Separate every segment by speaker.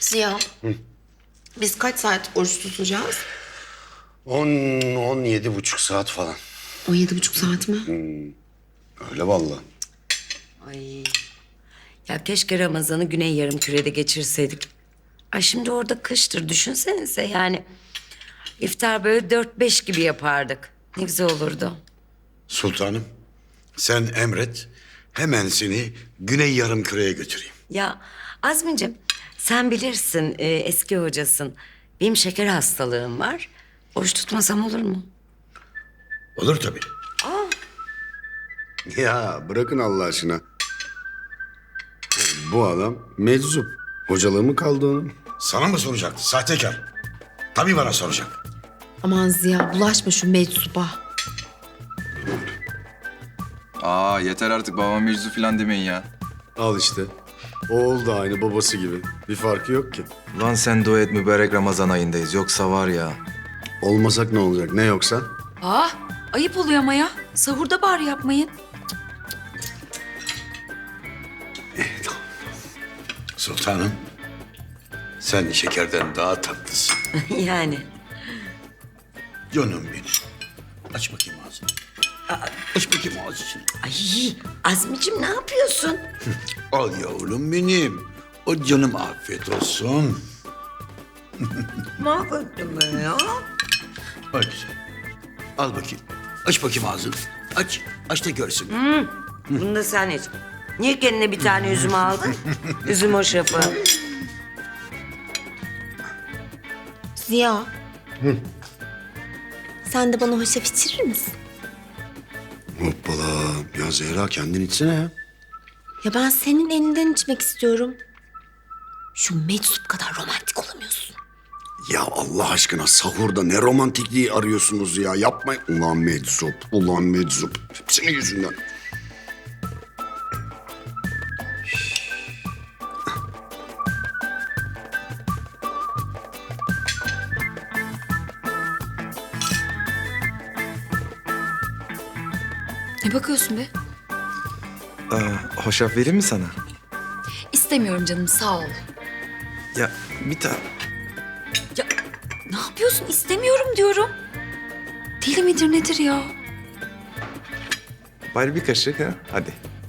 Speaker 1: Ziya, biz kaç saat oruç tutacağız?
Speaker 2: 17,5 saat falan.
Speaker 1: 17,5 saat mi?
Speaker 2: Öyle vallahi.
Speaker 3: Ay. Ya keşke Ramazan'ı Güney Yarımküre'de geçirseydik. Ay şimdi orada kıştır düşünsenize yani. İftar böyle 4-5 gibi yapardık. Ne güzel olurdu.
Speaker 4: Sultanım, sen emret. Hemen seni Güney Yarımküre'ye götüreyim.
Speaker 3: Ya Azmi'cim sen bilirsin eski hocasın. Benim şeker hastalığım var. Oruç tutmasam olur mu?
Speaker 4: Olur tabii.
Speaker 2: Ya bırakın Allah aşkına. Bu adam meczup. Hocalığı mı kaldı onun?
Speaker 4: Sana mı soracaktı sahtekar? Tabii bana soracak.
Speaker 1: Aman Ziya, bulaşma şu meczuba.
Speaker 5: Aa yeter artık babama meczu falan demeyin ya.
Speaker 2: Al işte. Oğul da aynı babası gibi. Bir farkı yok ki.
Speaker 5: Lan sen dua et mübarek Ramazan ayındayız. Yoksa var ya.
Speaker 2: Olmasak ne olacak? Ne yoksa?
Speaker 6: Ayıp oluyor ama ya. Sahurda bari yapmayın.
Speaker 4: Sultanım, sen şekerden daha tatlısın.
Speaker 3: Yani.
Speaker 4: Canım benim. Aç bakayım ağzını. Aç bakayım ağzını.
Speaker 3: Ay Azmi'cim ne yapıyorsun?
Speaker 4: Al yavrum benim. O canım afiyet olsun.
Speaker 3: Mahvettim ben ya.
Speaker 4: Bak güzel. Al bakayım. Aç bakayım ağzını. Aç. Aç da görsün.
Speaker 3: Bunu da sen iç. Niye kendine bir tane üzüm aldın? Üzüm hoşafı.
Speaker 1: Ziya. Sen de bana hoşaf içirir misin?
Speaker 2: Hoppala. Ya Zehra kendin içsene ya.
Speaker 1: Ya ben senin elinden içmek istiyorum. Şu meczup kadar romantik olamıyorsun.
Speaker 2: Ya Allah aşkına sahurda ne romantikliği arıyorsunuz ya. Yapmayın. Ulan meczup. Ulan meczup. Hepsinin yüzünden.
Speaker 6: Ne bakıyorsun be?
Speaker 5: Hoşaf vereyim mi sana?
Speaker 6: İstemiyorum canım, sağ ol.
Speaker 5: Ya bir tane.
Speaker 6: Ya ne yapıyorsun? İstemiyorum diyorum. Deli midir nedir ya?
Speaker 5: Bari bir kaşık ha. Hadi.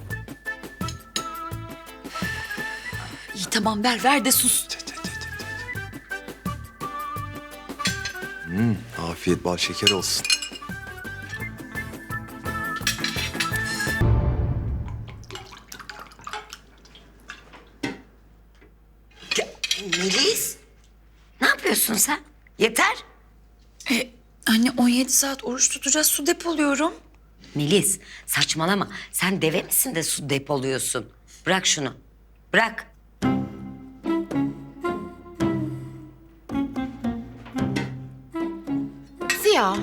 Speaker 6: İyi tamam ver de sus.
Speaker 5: Afiyet bal şeker olsun.
Speaker 3: Ya, Melis. Ne yapıyorsun sen? Yeter.
Speaker 6: Anne 17 saat oruç tutacağız, su depoluyorum.
Speaker 3: Melis saçmalama. Sen deve misin de su depoluyorsun? Bırak şunu. Bırak.
Speaker 1: Ziya.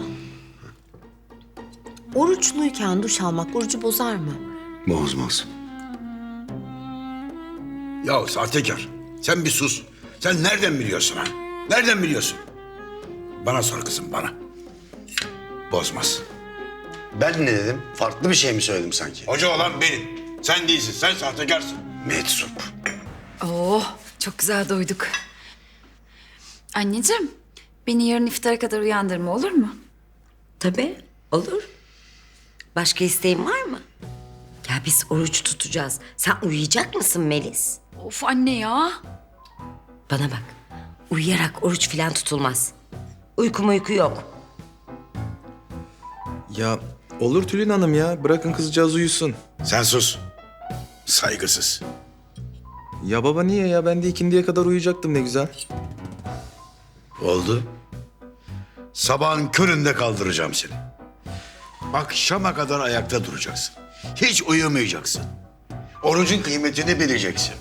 Speaker 1: Oruçluyken duş almak orucu bozar mı?
Speaker 2: Bozmaz.
Speaker 4: Ya sahtekar, sen bir sus. Sen nereden biliyorsun ha? Nereden biliyorsun? Bana sor kızım, bana. Bozmaz.
Speaker 2: Ben ne dedim? Farklı bir şey mi söyledim sanki?
Speaker 4: Hoca olan benim. Sen değilsin, sen sahtekarsın.
Speaker 2: Meczup.
Speaker 6: Oh, çok güzel doyduk. Anneciğim, beni yarın iftara kadar uyandırma olur mu?
Speaker 3: Tabii olur. Başka isteğin var mı? Ya biz oruç tutacağız. Sen uyuyacak mısın Melis?
Speaker 6: Of anne ya.
Speaker 3: Bana bak. Uyuyarak oruç falan tutulmaz. Uyku yok.
Speaker 5: Ya olur Tülin Hanım ya. Bırakın kızcağız uyusun.
Speaker 4: Sen sus. Saygısız.
Speaker 5: Ya baba niye ya? Ben de ikindiye kadar uyuyacaktım ne güzel.
Speaker 4: Oldu. Sabahın köründe kaldıracağım seni. Akşama kadar ayakta duracaksın. Hiç uyumayacaksın. Orucun kıymetini bileceksin.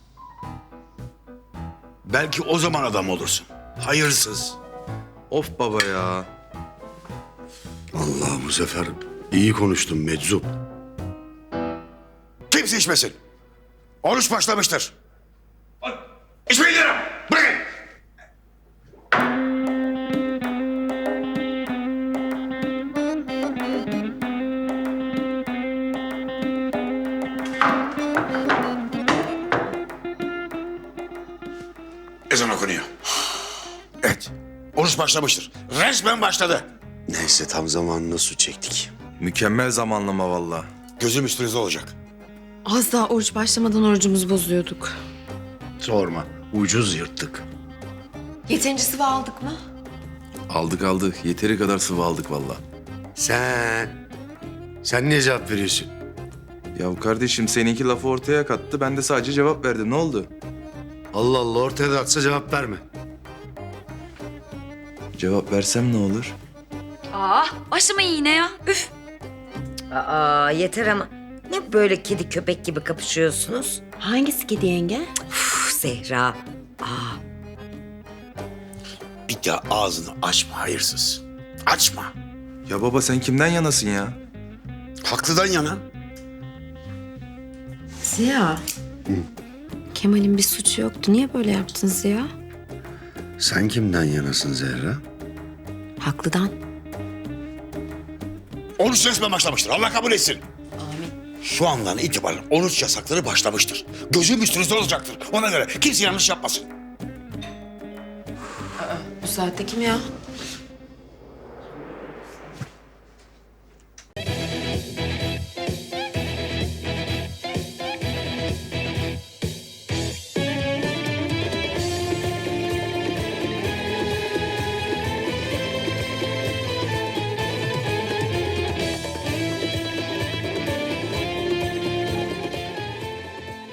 Speaker 4: Belki o zaman adam olursun. Hayırsız.
Speaker 5: Of baba ya.
Speaker 2: Allah bu sefer iyi konuştun meczup.
Speaker 4: Kimse içmesin. Oruç başlamıştır. İçmeyin diyorum. Bırakın. Ezan okunuyor. Evet. Oruç başlamıştır. Resmen başladı.
Speaker 2: Neyse tam zamanında su çektik.
Speaker 5: Mükemmel zamanlama valla.
Speaker 4: Gözüm üstünüzde olacak.
Speaker 1: Az daha oruç başlamadan orucumuzu bozuyorduk.
Speaker 2: Sorma. Ucuz yırttık.
Speaker 1: Yeterince sıvı aldık mı?
Speaker 5: Aldık. Yeteri kadar sıvı aldık valla.
Speaker 2: Sen niye cevap veriyorsun?
Speaker 5: Ya kardeşim seninki lafı ortaya kattı. Ben de sadece cevap verdim. Ne oldu?
Speaker 2: Allah Allah ortaya da atsa cevap verme.
Speaker 5: Cevap versem ne olur?
Speaker 6: Aa, başlamayın yine ya. Üf.
Speaker 3: Aa yeter ama. Ne böyle kedi köpek gibi kapışıyorsunuz?
Speaker 1: Hangisi kedi yenge?
Speaker 3: Uf Zehra. Aa
Speaker 4: Bir daha ağzını açma hayırsız. Açma.
Speaker 5: Ya baba sen kimden yanasın ya?
Speaker 4: Haklıdan yana.
Speaker 1: Ziya. Kemal'in bir suçu yoktu. Niye böyle yaptın Ziya?
Speaker 2: Sen kimden yanasın Zehra?
Speaker 1: Haklıdan.
Speaker 4: Oruç resmen başlamıştır. Allah kabul etsin. Şu andan itibaren oruç yasakları başlamıştır. Gözüm üstünüzde olacaktır. Ona göre kimse yanlış yapmasın.
Speaker 1: Bu saatte kim ya?